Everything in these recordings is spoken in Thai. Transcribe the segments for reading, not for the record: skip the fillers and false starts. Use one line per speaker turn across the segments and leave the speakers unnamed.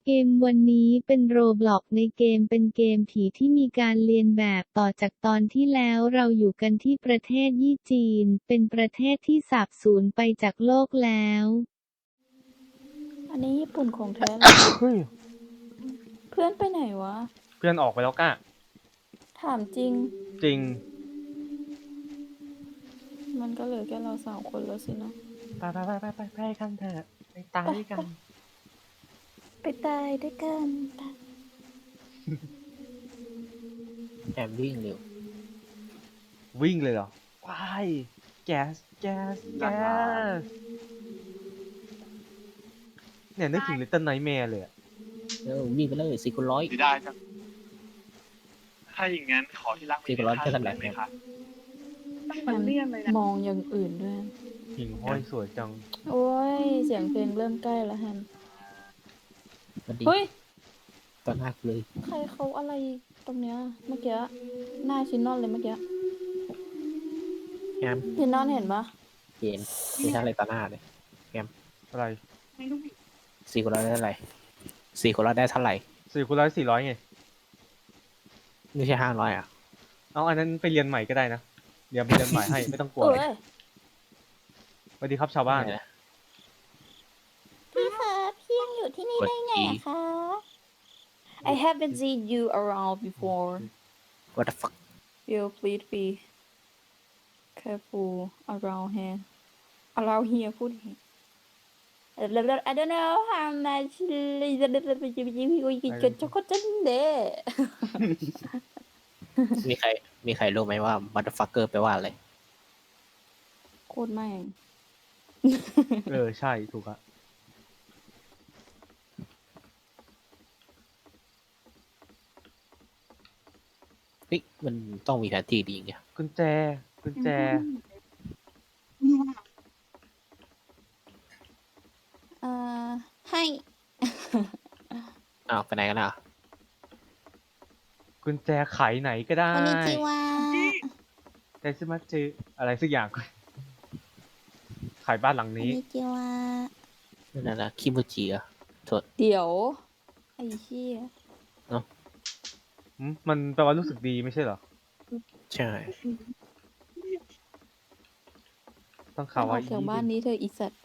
เกมวันนี้เป็นโรบล็อกในเกมเป็นเกมผีที่มีการเลียนแบบต่อจากตอนที่แล้วเราอยู่กันที่ประเทศยี่จีนเป็นประเทศที่สาบสูญไปจากโลกแล้ว
อันนี้ญี่ปุ่นของแท้เลย
เฮ้ย
เพื่อนไปไหนวะ
เพื่อนออกไปแล้วก้า
ถามจริง
จริง
มันก็เหลือแค่เรา3 คนแล้วสินะ
ไปกันเถอะไปตายด้วยกัน
ไปตายด้วยกัน
แอมวิ่งเร็ว
วิ่งเลยเหรอว้ายแก๊สเนี่ยนึกถึง Little Nightmare เลยอะ
วิ่งไปเลย400
ไม่ได้จังถ้าอย่างงั้นขอที่รัก
สี่ร้อยแค่นั้นแหละ
ไหมคะมันเลี่ยนเลยนะ
มองอย่างอื่นด้วย
หิ่งห้อยสวยจัง
โอ้ย เสียงเพลงเริ่มใกล้แล้วแฮม
สวัสดี
เฮ้ย
ตอนหน้ากูเลย
ใครเขาอะไรตรงเนี้ย เมื่อกี้ หน้าชินนอนเลยเมื่อกี้
แอม
ชินนอนเห็นปะ
เย็นไม่ใช่อะไรตอนหน้าเลย
อะไร
400ได้เท่าไหร่400ได้เท่าไหร่
400 400ไง
ไม่ใช่500อ่ะ
เอาอันนั้นไปเรียนใหม่ก็ได้นะเดี๋ยวไปเรียนใหม่ให้ไม่ต้องกลัว
เอ้ย
สวัสดีครับชาวบ้าน
ไม่นะ
พี่คะพี่ยังอยู่ที่นี่ได้ไงอะคะ I haven't seen you around before
What the fuck
Will please be careful around hereพูด I don't know how much จะก็จะเด้
มีใครรู้ไหมว่า motherfucker แปลว่าอะไร
โคตรแม่ง
ใช่ถูกอะ
เฮ้ยมันต้องมีแผนที่ดีไง
กุญแจ
ให้
อ้าวไปไหนกันอ่ะ
กุญแจไขไหนก็ได้
こんにちは
แต่สมาจืออะไรสักอย่างขายบ้านหลัง
こん
นี้
にちは
นั่นนะคิมูจิอ่ะโทษ
เดี๋ยว ไอ้เหี้ย
มันแปลว่ารู้สึกดีไม่ใช่เหรอ
ใช่
ต้อง
อ
ข่าว
อ
ว่าก
จากบ้านนี้เธออีสัตว์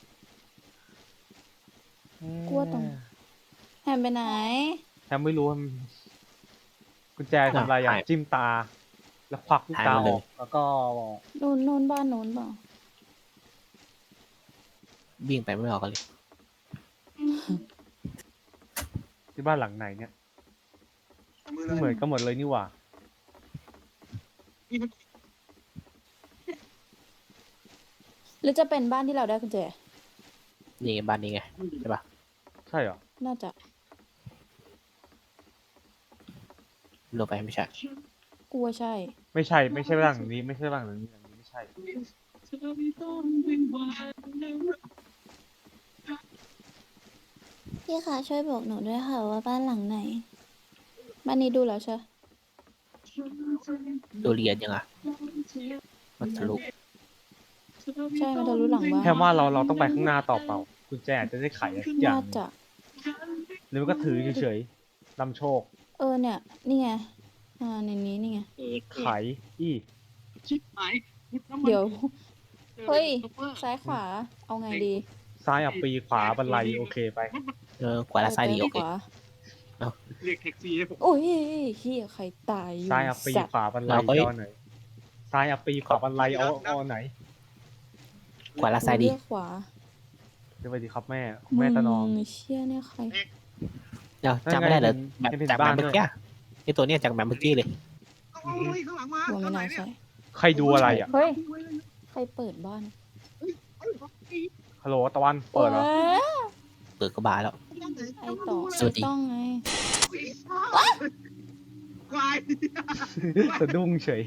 กลัวตรง แฮมไปไหน
แฮมไม่รู้ว่ากุญแจทำอะไรอย่างจิ้มตา แล้วควักลูกตาออกแล้วก็
โน้นบ้านโน้นเปล่า
วิ่งไปไม่ออกกันเลย
ที่บ้านหลังไหนเนี่ยเหมือนกันหมดเลยนี่หว่า
หรือจะเป็นบ้านที่เราได้กุญแจ
นี่ไงบ้านนี้ไงใช่ปะ
ใช่เหรอ
น่าจะ
ลงไปไม่ใช่
กลัวใช่
ไม่ใช่บ้านหลังนี้ไม่ใช่บ้านหลังนี้ไม่ใช่
พี่คะช่วยบอกหนูด้วยค่ะว่าบ้านหลังไหน บ้านนี้ดูแล้วใช่
ดูเรียนยังอ่ะมันทะลุ
ใช่ มันทะลุหลังบ้าน
แค่ว่าเราต้องไปข้างหน้าต่อเปล่ากุญแจอาจจะได้ไขอะไรสักอย่า
น่าง จะ
หรือมันก็ถือเฉยๆนำโชค
เนี่ย นี่ไง ในนี้นี่ไง
ไขอี้
ชิบหาย
เดี๋ยว เฮ้ย ซ้ายขวา เอาไงดี
ซ้ายอับปีขวาบันไลโอเคไป
ขวาและซ้ายดีโอเค
ขวา
เรียกแท็กซี่ให้ผม
โอ้ยเฮียใครตายอยู่
ซ้ายอับปี
สัตว์
ขวาบันไล
เราก็
เอาไหนซ้ายอับปีขวาบันไลเอาไหน
ขวาและซ้ายดี
เลือกขวา
สวัสดีครับแม่แม่ตะนอม
เชี่ยเนี่ยใคร
เดี๋ยวจำไม่ได้เลย
นั่นไง
แบบ
เป็น
จาก
บ้า
แบ
น
บเมื่อ
ด้วย
กี้ไอตัวเนี้ยจากแบบเมื่อกี้เลย
โอ้ยข้างหลังมา
ว่าไม่น่าใช่
ใครดูอะไรอ่ะ
เฮ้ย ใครเปิดบ้าน
ฮัลโหลตะวันเปิดเหรอ
ว้า
เปิดกระบาแล้ว
ไอต่อ
สวัสดี
ไอ้ต้องไง
ควาย
สะดุ้งเฉย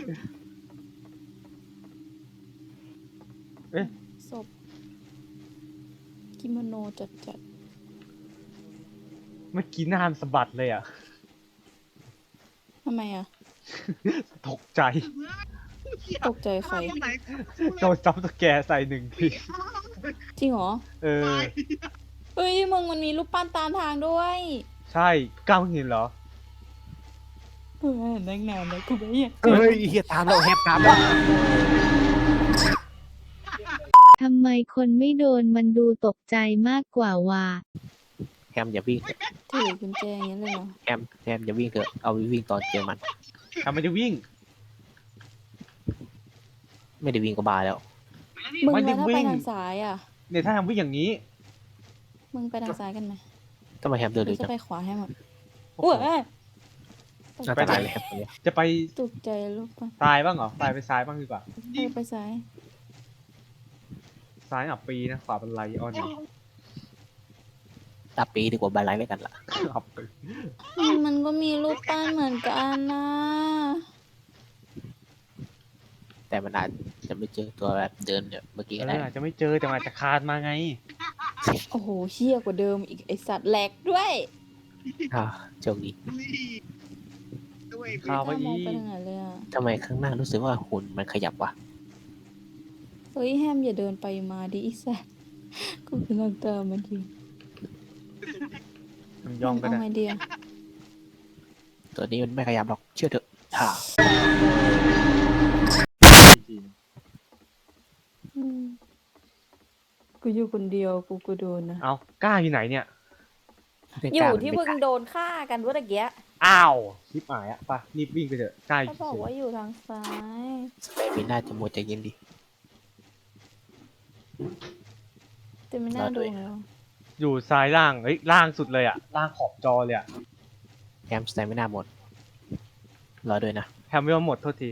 ศพกิโมโนจัด
เมื่อกี้หน้ามนสะบัดเลยอ่ะ
ทำไมอ่ะ
ตกใจ
ตกใจใคร
โดนจับสแกร์ใส่หนึ่งที
จริงเหรอ
เออ
เฮ้ยมึงมันมีรูปปั้นตามทางด้วย
ใช่ก้าวเห็นเหรอ
เฮ้ยนั่งนานแล้วกูไม่เห็น
เฮ้ยเฮียตามเราแฮปตามเรา
ทำไมคนไม่โดนมันดูตกใจมากกว่าว่ะ
แฮมอย่าวิ่ง
ถือกุญแจอย่างนี้เลยเหรอ
แฮมอย่าวิ่งเถอะเอาไว้วิ่งตอนเจอมัน
ทำไมจะวิ่ง
ไม่ได้วิ่งก็บาแล้ว
มึง
ไม่ได้
แล้วถ้า
วิ่
ไป
ง
ทางซ้ายอ่ะ
เนี่ยถ้าทำวิ่งอย่างนี้
มึงไปทางซ้ายกันไหม
ทำไมแฮมเดิน
ห
เร็
รือ
วจั
จะ
ง
ไปขวาให้หมด
โอ้
อุ้
โห
ย
อันตรายเลยแฮมตัวเนี้ย
จะไป
ตกใจลูกปะ
ซ้ายบ้างเหรอไปซ้ายบ้างดีกว่า
ไปซ้าย
ซ้ายอับปีนะขวาเป็นไรออน
ตาปีดีกว่าบาไลไม่กันละ
อับปี
มันก็มีรูปปั้นเหมือนกันนะ
แต่มันอาจจะไม่เจอตัวแบบเดินแบบเมื่อกี้ก็ได้
อาจจะไม่เจอแต่มันอาจจะคานมาไง
โอ้โหเชี่ยกว่าเดิมอีกไอสัตว์แหลกด้วย
โชคดี
ข้าวไป
ไม่กล้าม
อี
องไปทางไหนเลยอ่ะ
ทำไมข้างหน้ารู้สึกว่าหุ่นมันขยับวะ
เฮ้ยแฮมอย่าเดินไปมาดิไอสัตว์กูกำลังตามมันอยู่
มันย่องก็
เอา
ได้
ไงดีอะ
ตัวนี้มันไม่ขยับหรอกเชื่อเถอะ
อืมกูอยู่คนเดียวกูก็โดนนะ
เอากล้าอยู่ไหนเนี่ย
อยู่ที่มึงโดนฆ่ากันเมื่อกี้
อ้าวชิบหายอะไปรีบวิ่งไปเถอะใกล้
เขาบอกว่าอยู่ทางซ้าย
สเปรมีน่าจะหมดใจเย็นดิ
แต่ไม่น่าดูแล้ว
อยู่ซ้ายล่างเฮ้ยล่างสุดเลยอะล่างขอบจอเลยอะ
แฮมสเปรมีน่าหมดรอด้วยนะ
แฮมไม่ว่าหมดโทษที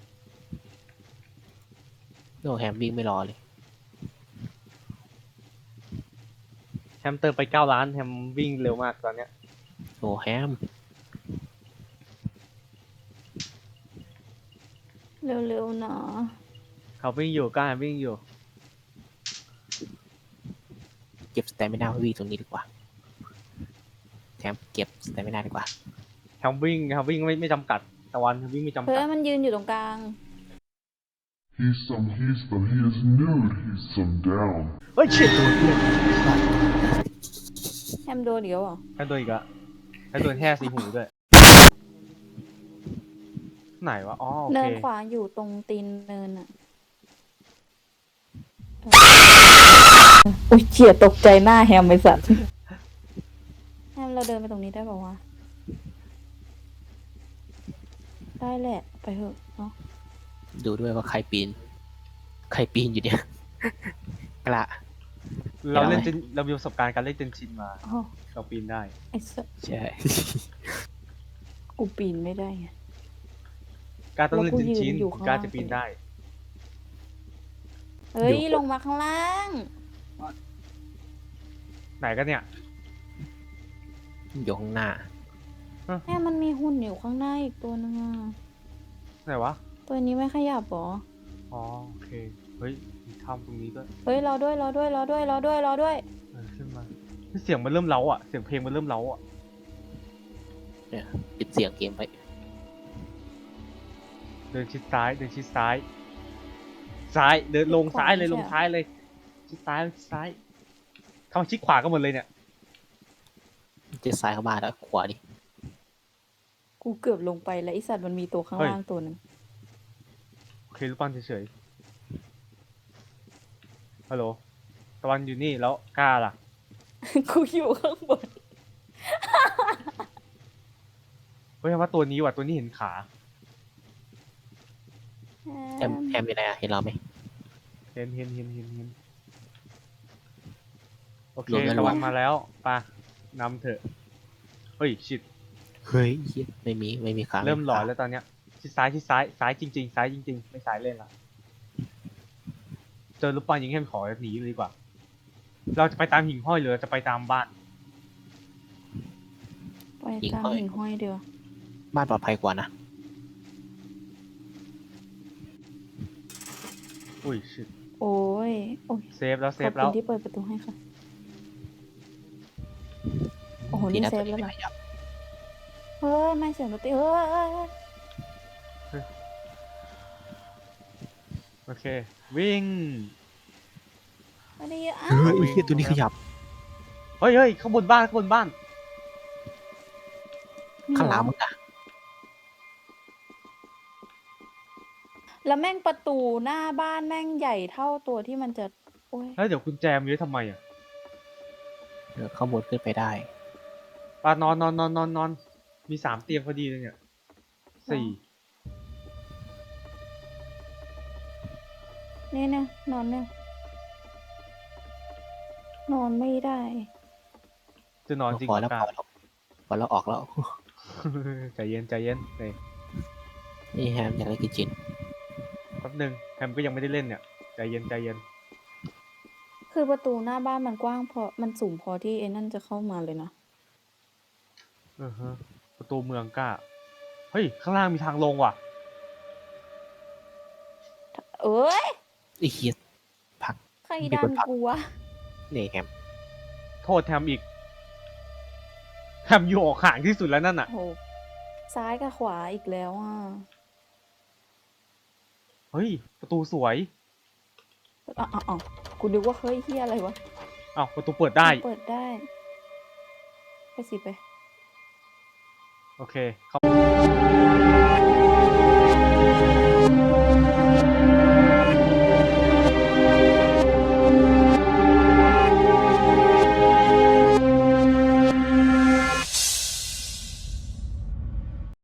โนแฮมวิ่งไม่รอเลย
แฮมเติมไป9 ล้านแฮมวิ่งเร็วมากตอนเนี้ย
โอ้แฮม
เร็วๆหนา
เขาวิ่งอยู่กล้าวิ่งอยู่
เก็บสเตมิน่าไว้วิ่งตรงนี้ดีกว่าแฮมเก็บสเตมิน่าดีกว่า
แฮมวิ่งไม่จำกัดตะวันแฮมวิ่งไม่จำ
เฮ้
กั
ย
ด
มันยืนอยู่ตรงกลาง
He is nude, he's some down.
เฮ้ยชิดตัว
แฮมโดนเดี๋ยวเหรอ
แฮมโดนอีกอะแฮมโดนแห่สีหูด้วย ไหนวะอ๋อโอ
เนิ
เคน
ขวาอยู่ตรงตีนเนินอ่ะอุ้ยเฉียตกใจหน้าแฮมไอสัตว์แฮมเราเดินไปตรงนี้ได้ป่าวะได้แหละไปเถอะเนาะ
ดูด้วยว่าใครปีนอยู่เนี่ย กระ
เราเล่น
เห็นไหม
เรามีประสบการณ์การเล่นเจนชินมา
อ๋อ
เราปีนได้
ไอสัตว์
ใช่
กูปีนไม่ได้ไง
การต้องเล่น
แล้วกู
เจนชิน
ยืนอยู่ข้าง
การ
ล่าง
จะปีนได้
เฮ้ยลงมาข้างล่าง
ไหนกันเนี่ย
อยู่ข้างหน้า
แม่มันมีหุ่นอยู่ข้างหน้าอีกตัวนึงอ่ะ
ไหนวะ
ตัวนี้ไม่ขยับหรอ
อ๋อโอเคเฮ้ยมีถ้ำตรงนี้ด้วย
เฮ้ยรอด้วย
ขึ้นมาเสียงมันเริ่มเล้าอ่ะเสียงเพลงมันเริ่มเล้าอ่ะ
เนี่ยปิดเสียงเกมไป
เดินชิดซ้ายเดินชิดซ้าย เดินลงซ้ายเลยลงซ้ายเลยชิดซ้ายเข้ามาชิดขวากันหมดเลยเนี่ย
เจะซ้ายเข้ามาแล้วขวาดิ
กูเกือบลงไปแล้วไอสัตว์มันมีตัวข้างล่างตัวหนึ่ง
โอเครูปปั้นเฉยๆฮัลโหลตะวันอยู่นี่แล้วกล้าล่ะ
กูอยู่ข้างบน
เฮ้ยว่าตัวนี้ว่ะตัวนี้เห็นขา
แฮมอยู่ไหนอะเห็นเราไหม
เห็นโอเค
รวมแล้ว
ตะวัน
รวม
มาแล้วไปนำเถอะเฮ้ยชิด
เฮ้ยเหี้ยไม่มีขา
เริ่มหลอนแล้วตอนเนี้ยชิดซ้ายจริงๆไม่สายเล่นละเจอรูปปั้นยิงให้มันขอหนีเลยดีกว่า เราจะไปตามหิ่งห้อยหรือจะไปตามบ้าน
ไปตามหิ่งห้อยเดียว
บ้านปลอดภัยกว่านะ
อุ้ยชิด
โอ้ย
เซฟแล้ว
ขอบคุณที่เปิดประตูให้ค่ะ โอ้โห นี่
ดีะ
เซฟ
ตัว
แล้วเหร
ไม่
อ
ขยับ
เฮ้ย ไม่เสียงดนตรีเฮ้ย
โอเค วิ่ง
ไม่ได้ยินอ้า
เฮ้
วย
เหี้ยตัวนี้ขยับ
เฮ้ยเฮ้ยข้างบนบ้านข้างบนบ้าน
ข้างหลังมึงอะ
แล้วแม่งประตูหน้าบ้านแม่งใหญ่เท่าตัวที่มันจะโอ้ย
แล้วเดี๋ยวกุญแจมีไว้ทำไมอ่ะ
ข้างบนขึ้นไปได้
ปานอนนอนนอนนอนนอนมี3 เตียงพอดีเลยเนี่ย 4
เนี่ยนอนเนี่ยนอนไม่ได้
จะนอนจริง
พอ
เหร
แล้ว
อกา
พอแล้วออกแล้ว
ใจเย็นใจเย็นเลย
นี่แฮมอยากได้กินจิน
แป๊บนึงแฮมก็ยังไม่ได้เล่นเนี่ยใจเย็นใจเย็น
คือประตูหน้าบ้านมันกว้างพอมันสูงพอที่ไอ้นั่นจะเข้ามาเลยนะ
ฮะประตูเมืองกล้าเฮ้ยข้างล่างมีทางลงว่ะ
เอ้ย
ไอ้เหี้ยพัก
ใครดันกูวะ
นี่แฮม
โทษแฮมอีกแฮมอยู่ออกห่างที่สุดแล้วนั่นอ่ะ
โหซ้ายกับขวาอีกแล้วอ่ะ
เฮ้ยประตูสวย
อ๋อกูนึกว่าเฮ้ยเฮียอะไรวะ
อ้าวประตูเปิดได้
เปิดได้ ไปสิไป
โอเคเข้า